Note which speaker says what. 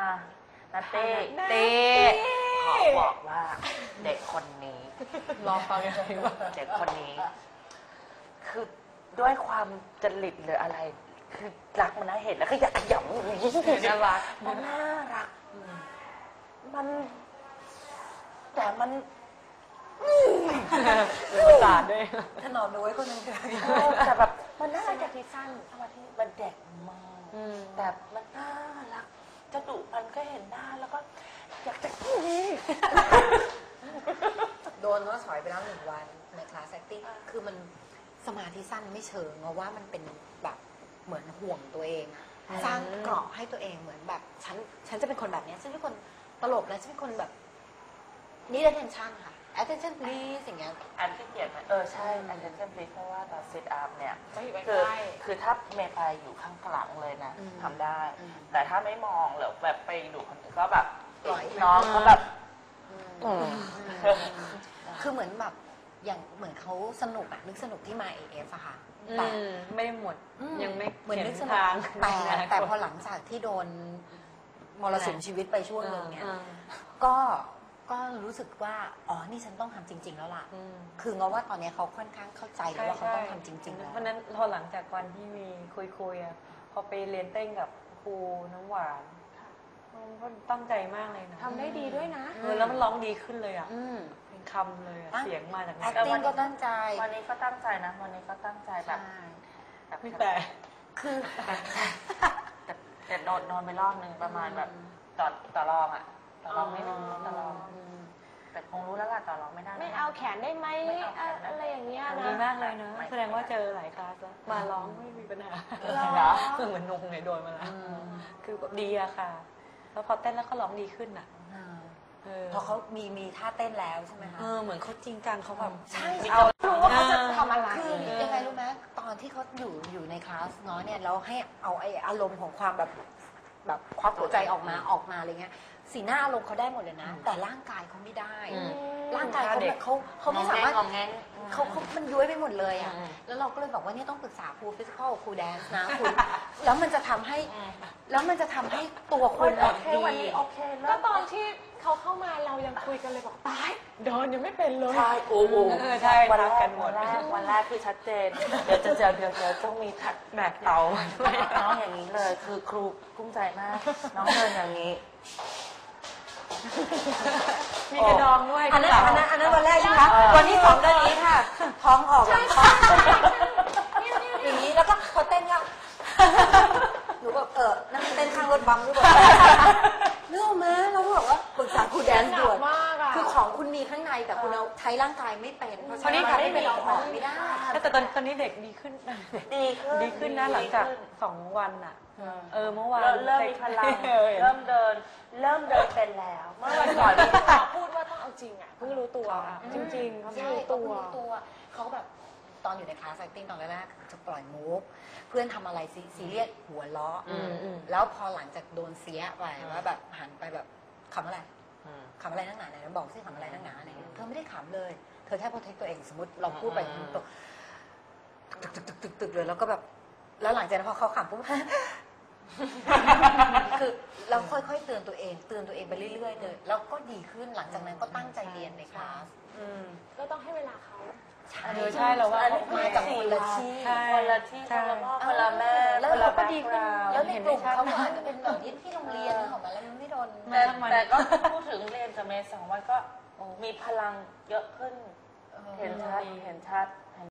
Speaker 1: นาเต้ขอบอกว่าเด็กคนนี้
Speaker 2: รอฟังยังไงวะ
Speaker 1: เด็กคนนี้คือด้วยความจริตหรืออะไรคือรักมันนะเห็นแล้วก็อยากขยำอย่างนี้
Speaker 2: น่ารัก
Speaker 1: มันน่ารักมันแต่มัน
Speaker 2: ประสาทด้วย
Speaker 3: ถนอมน้อยคนนึง
Speaker 1: แต่แบบมันน่ารักจากที่สั้นทำไมที่มันเด็กมากแต่มันน่ารักจะดุมันก็เห็นหน้าแล้วก็อยากจะ
Speaker 3: โดนว่าถอยไปแล้ว1 วันในคลาส acting คือมันสมาธิสั้นไม่เชิงเพราะว่ามันเป็นแบบเหมือนห่วงตัวเองสร้างเกราะให้ตัวเองเหมือนแบบฉันจะเป็นคนแบบนี้ฉันเป็นคนตลกนะฉันเป็นคนแบบนี่ attention ค่ะ attention please อย่างเงี้ย
Speaker 1: อันที่เขียนใช่ attention please เพราะว่าตอน sit up เนี่ยคือถ้าเมย์ไปอยู่ข้างหลังเลยนะทำได้แต่ถ้าไม่มองหรือแบบไปดูคนอื่นก็แบบน้องเขาแบบ
Speaker 3: คือเหมือนแบบอย่างเหมือนเขาสนุกอะนึกสนุกที่มา AF อะค่ะแต่
Speaker 2: ไม่หมดยังไม่
Speaker 3: เหมือนนึกสนุกแต่พอหลังจากที่โดนมรสุมชีวิตไปช่วงนึงเนี่ยก็รู้สึกว่าอ๋อนี่ฉันต้องทำจริงๆแล้วล่ะคือเงาว่าตอนนี้เขาค่อนข้างเข้าใจแล้วว่าเขาต้องทำจริงๆแล้ว
Speaker 2: เพราะนั้นพอหลังจากวันที่มีคุยอะพอไปเรียนเต้นกับครูน้ำหวานก็ตั้งใจมากเลยนะ
Speaker 4: ทำได้ดีด้วยนะ
Speaker 2: แล้วมันร้องดีขึ้นเลยอ่ะเป็นคำเลยเสียงมาจาก
Speaker 3: นั้น acting ก็ตั้งใจ
Speaker 1: วันนี้ก็ตั้งใจนะวันนี้ก็ตั้งใจแบบ
Speaker 2: ไม่แต่
Speaker 3: คือ
Speaker 1: แต่นอนไปรอบนึงประมาณแบบต่อรองไม่รู้ต่อรองแต่คงรู้แล้วล่ะต่อรองไม่ได้
Speaker 4: ไม่เอาแขนได้ไหมอะไรอย่างเงี้ยนะ
Speaker 2: ดีมากเลยนะแสดงว่าเจอหลายคลาสแล้วมาร้องไม่มีปัญหาเหมือนนงไงโดนมาแล้วคือดีอะค่ะแล้วพอเต้นแล้วก็ร้องดีขึ้นอ่ะ
Speaker 3: พอเขามีท่าเต้นแล้วใช่ไหมคะ
Speaker 2: เหมือนเขาจริงจังเขาแบบ
Speaker 3: ใช่
Speaker 4: เอารู้ว่าเขาจะทำอะไร
Speaker 3: คือยังไงรู้ไหมตอนที่เขาอยู่ในคลาสน้อยเนี่ยเราให้เอาไออารมณ์ของความแบบควักหัวใจออกมาอะไรเงี้ยสีหน้าอารมณ์เขาได้หมดเลยนะแต่ร่างกายเขาไม่ได้ร่างกายเขาแบบเขาไม่สามารถเขามันย้วยไปหมดเลยอ่ะแล้วเราก็เลยบอกว่าเนี่ยต้องปรึกษาครูฟิสิกอลครูแดนซ์นะคุณแล้วมันจะทำให้ตัวคุณ
Speaker 1: ดี
Speaker 4: ก็ตอนที่เขาเข้ามาเรายังคุยกันเลยบอกตายโดนยังไม่เป็นเลย
Speaker 1: ใช่โอ้โห
Speaker 2: ใช่รักกันหมด
Speaker 1: วันแรกคือชัดเจนเดี๋ยวต้องมีทัด
Speaker 2: แบกเตา
Speaker 1: น้องอย่างนี้เลยคือครูกุ้มใจมากน้องเดินอย่างนี้
Speaker 2: มีกระดองด้วย
Speaker 3: อันนั้นวันแรกใช่ไหมวันที่2เดือนนี้ค่ะท้องออกอย่างนี้แล้วก็พอเต้นก็หนูแบบนั่งเต้นข้างรถบัมหรือเปล่าเรื่องมาเราบอกว่าปรึกษาครูแดนซ์ด่วนคือของคุณมีข้างในแต่คุณเอาใช้ร่างกายไม่เป็นเพราะฉะนั้นไม่เป็นเราออกไม่ได้
Speaker 2: แต่ตอนนี้เด็กดีขึ้นนะหลังจาก2 วันอ่ะเมื่อวาน
Speaker 1: เริ่มมีพลังเริ่มเดินเป็นแล้วเมื่อวันก่อน
Speaker 4: พูดว่าต้องเอาจริงอ่ะเพิ่งรู้ตัวจริงๆเขาไม่รู้ตัว
Speaker 3: เขาแบบตอนอยู่ในคลาส acting ตอนแรกๆจะปล่อยมุกเพื่อนทำอะไรซีเรียสหัวล้อแล้วพอหลังจากโดนเสียไปว่าแบบหันไปแบบขำอะไรนักหนาไหนบอกสิขำอะไรนักหนาอะไรเธอไม่ได้ขำเลยเธอแค่ protect ตัวเองสมมติเราพูดไปตกตึกเลยแล้วก็แบบแล้วหลังจากนั้นพอเขาขำปุ๊บคือเราค่อยๆเตือนตัวเองไปเรื่อยๆเลยแล้วก็ดีขึ้นหลังจากนั้นก็ตั้งใจเรียนในคลาส
Speaker 4: ก็ต้องให้เวลาเขา
Speaker 2: ใช่เราว่า
Speaker 3: มาจากคนละที่
Speaker 1: คนละพ่อคนละแม่
Speaker 3: แล้วเราก็ดีขึ้นแล้วในกลุ่มเขาอาจจะเป็นแบบที่โรงเรียนของมันแล้วมันไม่โดน
Speaker 1: แต่ก็พูดถึงเรียนกับเมย์2 วันก็มีพลังเยอะขึ้นเห็นชัด